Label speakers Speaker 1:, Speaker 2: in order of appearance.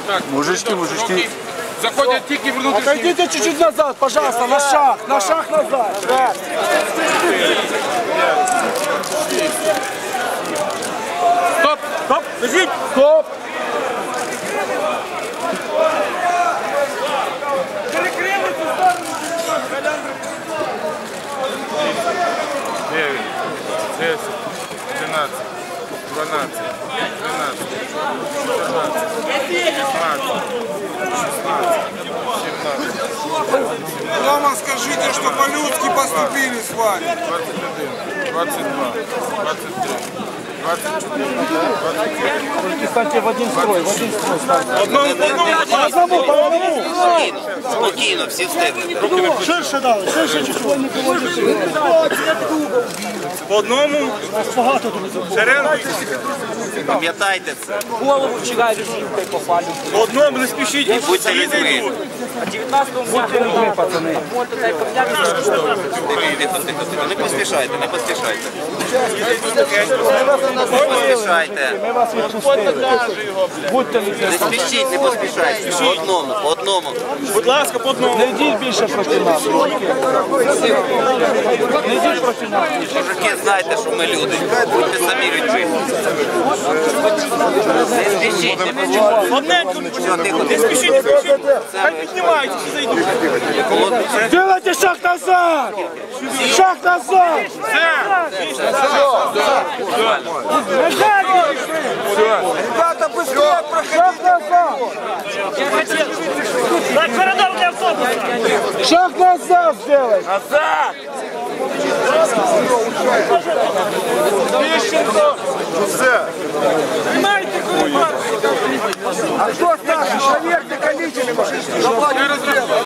Speaker 1: Так,
Speaker 2: Мужички.
Speaker 1: заходять тільки внутрішні.
Speaker 3: Отойдите чуть-чуть назад, пожалуйста, на шаг назад. Да.
Speaker 1: Стоп! Стоп! Лежіть!
Speaker 3: Стоп.
Speaker 1: Дев'ять, 10, 11, 12, 13, 14, 15, 16,
Speaker 4: Дома скажите, что по-людски поступили с вами.
Speaker 1: 21, 22, 23, 24, 25.
Speaker 3: Только станьте в один строй станьте. По одному.
Speaker 5: Спокійно, всі встигли.
Speaker 3: Ширше дали, ширше чуть-чуть.
Speaker 4: По одному.
Speaker 3: Багато тут.
Speaker 4: Шеренку.
Speaker 5: Пам'ятайте це.
Speaker 6: Голову вчера визивкою попали.
Speaker 4: По одному не спішіть.
Speaker 5: Будьте людьми.
Speaker 6: А 19-го будьте людьми, пацани.
Speaker 5: Тихо. Не поспішайте. Не поспішайте.
Speaker 3: Ми вас відпустили. Будьте
Speaker 5: Не
Speaker 3: людьми.
Speaker 5: спішіть, не поспішайте. По одному.
Speaker 4: Будь ласка, по одному.
Speaker 3: Не йдіть більше проти нас. Не йдіть проти нас.
Speaker 5: Мужики, знайте, що ми люди. Будьте самі людьми. Не спішіть, не поспішайте.
Speaker 4: Одненько.
Speaker 5: Все, тихо.
Speaker 4: Не спішіть, не спішіть. Хай піднімаються, всі зайдуть.
Speaker 3: Делайте шаг назад. Шаг назад.
Speaker 4: Ребята, быстрее проходите.
Speaker 3: Шаг назад. Шаг назад сделай.
Speaker 4: А кто старший? Проверьте количество.